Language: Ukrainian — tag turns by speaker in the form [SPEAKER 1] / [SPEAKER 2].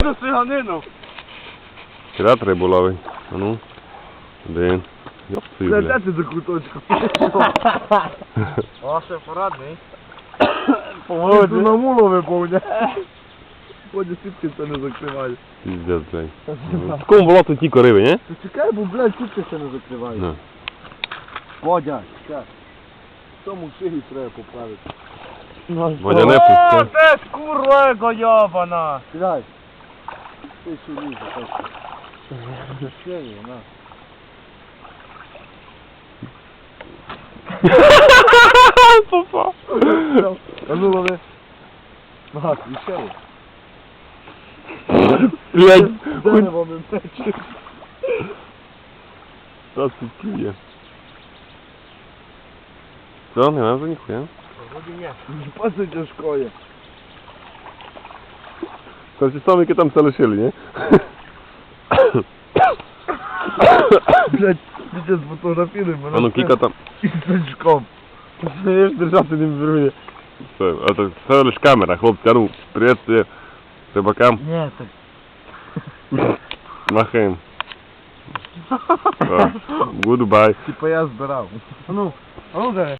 [SPEAKER 1] На циганину.
[SPEAKER 2] Кидати рибу ловить. А ну. Один. Йопсуй, бля.
[SPEAKER 1] Глядайте за куточком. Ваше порадний. Поводи. На мулу виповня. Ході сітки це не закриває.
[SPEAKER 2] Пиздец, блядь. В такому болоту тільки риби, ні?
[SPEAKER 1] Ти чекай, бо, блядь, сітки це не закриває.
[SPEAKER 2] Ну.
[SPEAKER 1] Водя, чекай. В тому шиї треба поправити.
[SPEAKER 2] Водя не пусти.
[SPEAKER 1] Ти ж курва йобана! Сідай. Ти ще лізе, так. Шиї, на.
[SPEAKER 2] Попав.
[SPEAKER 1] А ну лови. Ага, і шиї.
[SPEAKER 2] Блядь.
[SPEAKER 1] Дерево ми мечі.
[SPEAKER 2] Та сутки. Все, не надо ніхуя.
[SPEAKER 1] Вроді ні. Паси тяжкоє.
[SPEAKER 2] Це ті самі, які там все лишили, ні?
[SPEAKER 1] Блядь, дитя сфотографіруй мене.
[SPEAKER 2] А ну кіка там.
[SPEAKER 1] І з сачком.
[SPEAKER 2] Знаєш, держати не беру. Все, а то все лиш камера, хлопці, а ну, приветствие рибакам.
[SPEAKER 1] Ні, так.
[SPEAKER 2] Махаємо. Goodbye.
[SPEAKER 1] Типа я збирав. А ну, давай.